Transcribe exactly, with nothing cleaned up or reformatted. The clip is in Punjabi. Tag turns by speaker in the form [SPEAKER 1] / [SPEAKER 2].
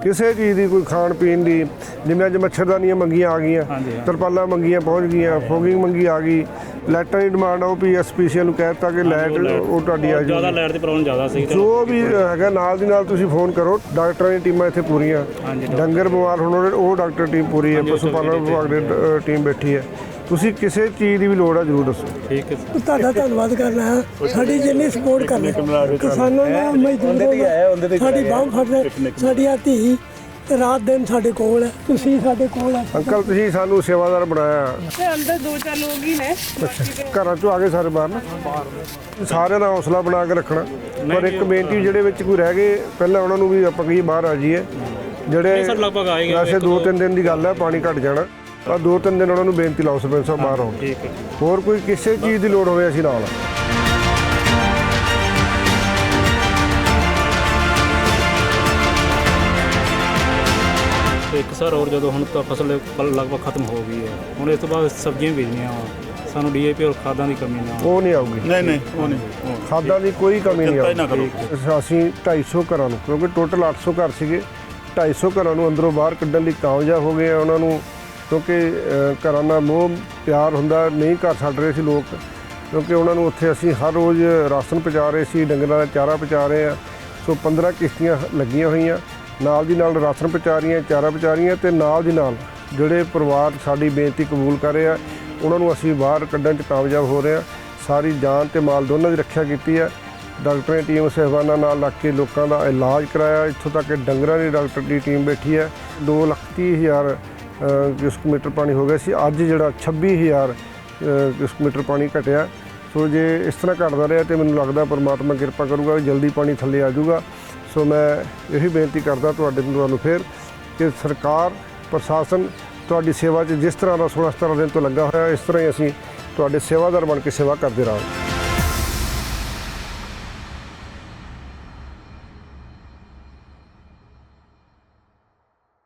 [SPEAKER 1] ਕਿਸੇ ਚੀਜ਼ ਦੀ ਕੋਈ ਖਾਣ ਪੀਣ ਦੀ, ਜਿਵੇਂ ਅੱਜ ਮੱਛਰਦਾਨੀਆਂ ਮੰਗੀਆਂ ਆ ਗਈਆਂ, ਤਰਪਾਲਾਂ ਮੰਗੀਆਂ ਪਹੁੰਚ ਗਈਆਂ, ਫੋਗਿੰਗ ਮੰਗੀ ਆ ਗਈ, ਲਾਈਟਾਂ ਦੀ ਡਿਮਾਂਡ ਉਹ ਪੀ ਐਸ ਪੀ ਸੀ ਨੂੰ ਕਹਿ ਦਿੱਤਾ ਕਿ ਲਾਈਟ ਉਹ ਤੁਹਾਡੀ ਆ
[SPEAKER 2] ਜ਼ਿਆਦਾ ਲਾਈਟ ਦੀ ਪ੍ਰੋਬਲਮ ਜ਼ਿਆਦਾ ਸੀ।
[SPEAKER 1] ਜੋ ਵੀ ਹੈਗਾ ਨਾਲ ਦੀ ਨਾਲ ਤੁਸੀਂ ਫੋਨ ਕਰੋ, ਡਾਕਟਰਾਂ ਦੀ ਟੀਮਾਂ ਇੱਥੇ ਪੂਰੀਆਂ, ਡੰਗਰ ਬਿਮਾਰ ਹੋਣ ਉਹ ਡਾਕਟਰ ਟੀਮ ਪੂਰੀ ਹੈ, ਪਸ਼ੂ ਪਾਲਣ ਵਿਭਾਗ ਦੀ ਟੀਮ ਬੈਠੀ ਹੈ। ਤੁਸੀਂ ਕਿਸੇ ਚੀਜ਼ ਦੀ ਵੀ ਲੋੜ ਆ ਜ਼ਰੂਰ ਦੱਸੋ। ਠੀਕ ਹੈ,
[SPEAKER 3] ਤੁਹਾਡਾ ਧੰਨਵਾਦ ਕਰਨਾ ਹੈ, ਸਾਡੀ ਜਿੰਨੀ ਸਪੋਰਟ ਕਰਨੀ ਕਿਸਾਨਾਂ ਦਾ, ਮਜ਼ਦੂਰਾਂ, ਸਾਡੀ ਬਾਂਹ ਫੜ, ਸਾਡੀ ਧੀ ਰਾਤ ਦਿਨ ਸਾਡੇ ਕੋਲ ਹੈ, ਤੁਸੀਂ ਸਾਡੇ ਕੋਲ ਹੈ।
[SPEAKER 1] ਅੰਕਲ ਤੁਸੀਂ ਸਾਨੂੰ ਸੇਵਾਦਾਰ ਬਣਾਇਆ।
[SPEAKER 3] ਅੰਦਰ ਦੋ ਚਾਰ ਲੋਕ ਹੀ ਨੇ,
[SPEAKER 1] ਘਰਾਂ ਚੋਂ ਆ ਗਏ ਸਾਰੇ ਬਾਹਰ ਨਾ, ਸਾਰਿਆਂ ਦਾ ਹੌਸਲਾ ਬਣਾ ਕੇ ਰੱਖਣਾ। ਪਰ ਇੱਕ ਬੇਨਤੀ, ਜਿਹੜੇ ਵਿੱਚ ਕੋਈ ਰਹਿ ਗਏ ਪਹਿਲਾਂ ਉਹਨਾਂ ਨੂੰ ਵੀ ਆਪਾਂ ਕਹੀਏ ਬਾਹਰ ਆ ਜਾਈਏ, ਜਿਹੜੇ ਵੈਸੇ ਦੋ ਤਿੰਨ ਦਿਨ ਦੀ ਗੱਲ ਹੈ, ਪਾਣੀ ਘਟ ਜਾਣਾ, ਆ ਦੋ ਤਿੰਨ ਦਿਨ ਉਹਨਾਂ ਨੂੰ ਬੇਨਤੀ ਲਾਓ ਸਰਪੰਚ ਸਾਹਿਬ ਬਾਹਰ ਆਉਣ। ਹੋਰ ਕੋਈ ਕਿਸੇ ਚੀਜ਼ ਦੀ ਲੋੜ ਹੋਵੇ ਅਸੀਂ ਨਾਲ।
[SPEAKER 2] ਇੱਕ ਸਰ ਹੋਰ ਜਦੋਂ ਹੁਣ ਤਾਂ ਫਸਲ ਲਗਭਗ ਖਤਮ ਹੋ ਗਈ ਹੈ, ਹੁਣ ਇਸ ਤੋਂ ਬਾਅਦ ਸਬਜ਼ੀਆਂ ਬੀਜਣੀਆਂ, ਸਾਨੂੰ ਡੀ ਏ ਪੀ ਔਰ ਖਾਦਾਂ ਦੀ ਕਮੀ ਨਾ
[SPEAKER 1] ਉਹ ਨਹੀਂ ਆਊਗੀ।
[SPEAKER 4] ਨਹੀਂ ਨਹੀਂ ਉਹ ਨਹੀਂ,
[SPEAKER 1] ਖਾਦਾਂ ਦੀ ਕੋਈ ਕਮੀ ਨਹੀਂ ਆਊਗੀ। ਅਸੀਂ ਢਾਈ ਸੌ ਘਰਾਂ ਨੂੰ, ਕਿਉਂਕਿ ਟੋਟਲ ਅੱਠ ਸੌ ਘਰ ਸੀਗੇ, ਢਾਈ ਸੌ ਘਰਾਂ ਨੂੰ ਅੰਦਰੋਂ ਬਾਹਰ ਕੱਢਣ ਲਈ ਕਾਮਯਾਬ ਹੋ ਗਏ ਆ। ਉਹਨਾਂ ਨੂੰ ਕਿਉਂਕਿ ਘਰਾਂ ਨਾਲ ਮੋਹ ਪਿਆਰ ਹੁੰਦਾ, ਨਹੀਂ ਘਰ ਛੱਡ ਰਹੇ ਸੀ ਲੋਕ, ਕਿਉਂਕਿ ਉਹਨਾਂ ਨੂੰ ਉੱਥੇ ਅਸੀਂ ਹਰ ਰੋਜ਼ ਰਾਸ਼ਨ ਪਹੁੰਚਾ ਰਹੇ ਸੀ, ਡੰਗਰਾਂ ਦਾ ਚਾਰਾ ਪਹੁੰਚਾ ਰਹੇ ਆ। ਸੋ ਪੰਦਰਾਂ ਕਿਸ਼ਤੀਆਂ ਲੱਗੀਆਂ ਹੋਈਆਂ, ਨਾਲ ਦੀ ਨਾਲ ਰਾਸ਼ਨ ਪਹੁੰਚਾ ਰਹੀਆਂ, ਚਾਰਾ ਪਹੁੰਚਾ ਰਹੀਆਂ, ਅਤੇ ਨਾਲ ਦੀ ਨਾਲ ਜਿਹੜੇ ਪਰਿਵਾਰ ਸਾਡੀ ਬੇਨਤੀ ਕਬੂਲ ਕਰ ਰਹੇ ਆ ਉਹਨਾਂ ਨੂੰ ਅਸੀਂ ਬਾਹਰ ਕੱਢਣ 'ਚ ਕਾਮਯਾਬ ਹੋ ਰਹੇ ਹਾਂ। ਸਾਰੀ ਜਾਨ ਅਤੇ ਮਾਲ ਦੋਨਾਂ ਦੀ ਰੱਖਿਆ ਕੀਤੀ ਹੈ। ਡਾਕਟਰਾਂ ਦੀ ਟੀਮ ਸਹਿਬਾਨਾਂ ਨਾਲ ਲੱਗ ਕੇ ਲੋਕਾਂ ਦਾ ਇਲਾਜ ਕਰਾਇਆ, ਇੱਥੋਂ ਤੱਕ ਕਿ ਡੰਗਰਾਂ ਦੀ ਡਾਕਟਰ ਦੀ ਟੀਮ ਬੈਠੀ ਹੈ। ਦੋ ਲੱਖ ਤੀਹ ਹਜ਼ਾਰ ਕਿਊਸਕ ਮੀਟਰ ਪਾਣੀ ਹੋ ਗਿਆ ਸੀ, ਅੱਜ ਜਿਹੜਾ ਛੱਬੀ ਹਜ਼ਾਰ ਕਿਊਸਕ ਮੀਟਰ ਪਾਣੀ ਘਟਿਆ। ਸੋ ਜੇ ਇਸ ਤਰ੍ਹਾਂ ਘਟਦਾ ਰਿਹਾ ਤਾਂ ਮੈਨੂੰ ਲੱਗਦਾ ਪਰਮਾਤਮਾ ਕਿਰਪਾ ਕਰੂਗਾ ਵੀ ਜਲਦੀ ਪਾਣੀ ਥੱਲੇ ਆ ਜਾਊਗਾ। ਸੋ ਮੈਂ ਇਹੀ ਬੇਨਤੀ ਕਰਦਾ ਤੁਹਾਡੇ ਤੁਹਾਨੂੰ ਫਿਰ ਕਿ ਸਰਕਾਰ ਪ੍ਰਸ਼ਾਸਨ ਤੁਹਾਡੀ ਸੇਵਾ 'ਚ ਜਿਸ ਤਰ੍ਹਾਂ ਦਾ ਸੋਲ੍ਹਾਂ ਸਤਾਰਾਂ ਦਿਨ ਤੋਂ ਲੱਗਾ ਹੋਇਆ, ਇਸ ਤਰ੍ਹਾਂ ਹੀ ਅਸੀਂ ਤੁਹਾਡੇ ਸੇਵਾਦਾਰ ਬਣ ਕੇ ਸੇਵਾ ਕਰਦੇ ਰਹਾਂਗੇ।